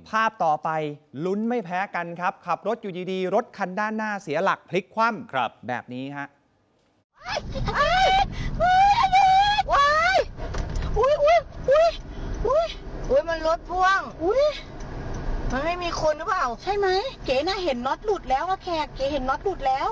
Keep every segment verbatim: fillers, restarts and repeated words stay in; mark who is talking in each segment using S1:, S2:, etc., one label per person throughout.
S1: ภาพต่อไปลุ้นไม่แพ้กันครับขับรถอยู่ดีๆรถคันด้านหน้าเสียหลักพลิกคว่ำ
S2: ครับ
S1: แบบนี้ฮะ
S3: ว้ายว้ายอุ้ยอุ้ยอุ้ยอุ้ยอุ้ยมันรถพ่วงอุ้ยมันไม่มีคนหรือเปล่าใช่ไหมเก๋น่าเห็นน็อตหลุดแล้วอะแขกเก๋เห็นน็อตหลุดแล้ว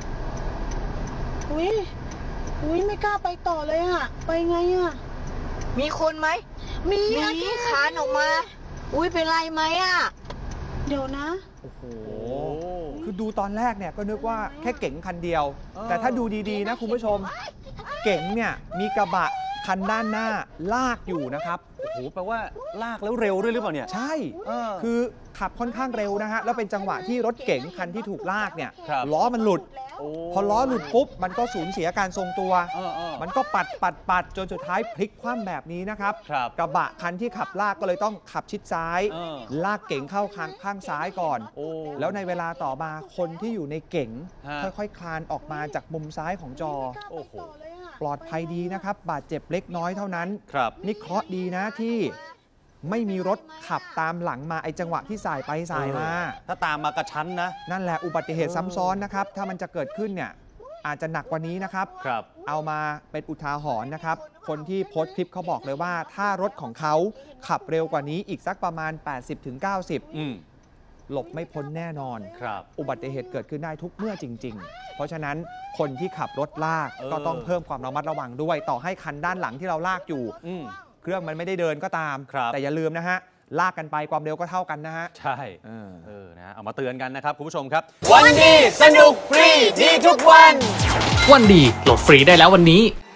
S3: อุ้ยอุ้ยไม่กล้าไปต่อเลยอะไปไงอะมีคนไหมมีมีคานออกมาอุ้ยเป็นไรไหมอะเดี๋ยวนะ
S1: โอ้โหคือดูตอนแรกเนี่ยก็นึกว่าแค่เก๋งคันเดียว แต่ถ้าดูดีๆนะคุณผู้ชมเก๋งเนี่ยมีกระบะคันด้านหน้าลากอยู่นะครับ
S2: โอ้โหแปลว่าลากแล้วเร็วด้วยหรือเปล่าเนี่ย
S1: ใช่คือขับค่อนข้างเร็วนะฮะแล้วเป็นจังหวะที่รถเก๋งคันที่ถูกลากเนี่ยล้อมันหลุดพอล้อหลุดปุ๊บมันก็สูญเสียการทรงตัวมันก็ปัดปัดปัดจนสุดท้ายพลิกคว่ำแบบนี้นะครับกระบะคันที่ขับลากก็เลยต้องขับชิดซ้ายลากเก๋งเข้าข้างข้างซ้ายก่อนแล้วในเวลาต่อมาคนที่อยู่ในเก๋งค่อยๆคลานออกมาจากมุมซ้ายของจอโอ้โหปลอดภัยดีนะครับบาดเจ็บเล็กน้อยเท่านั้นนี่เคราะห์ดีนะที่ไม่มีรถขับตามหลังมาไอ้จังหวะที่สายไปสายมา
S2: ถ้าตามมากระชั้นนะ
S1: นั่นแหละอุบัติเหตุซ้ำซ้อนนะครับถ้ามันจะเกิดขึ้นเนี่ยอาจจะหนักกว่านี้นะครับ
S2: ครับ
S1: เอามาเป็นอุทาหรณ์นะครับคนที่โพสต์คลิปเขาบอกเลยว่าถ้ารถของเขาขับเร็วกว่านี้อีกสักประมาณ แปดสิบถึงเก้าสิบ
S2: อืม
S1: หลบไม่พ้นแน่นอน
S2: ครับ
S1: อุบัติเหตุเกิดขึ้นได้ทุกเมื่อจริงๆเพราะฉะนั้นคนที่ขับรถลากก็ต้องเพิ่มความระมัดระวังด้วยต่อให้คันด้านหลังที่เราลากอยู่เครื่องมันไม่ได้เดินก็ตามแต่อย่าลืมนะฮะลากกันไปความเร็วก็เท่ากันนะฮะ
S2: ใช่เออเออนะเอามาเตือนกันนะครับคุณผู้ชมครับวันดีสนุกฟรีดีทุกวัน
S4: วันดีโหลดฟรีได้แล้ววันนี้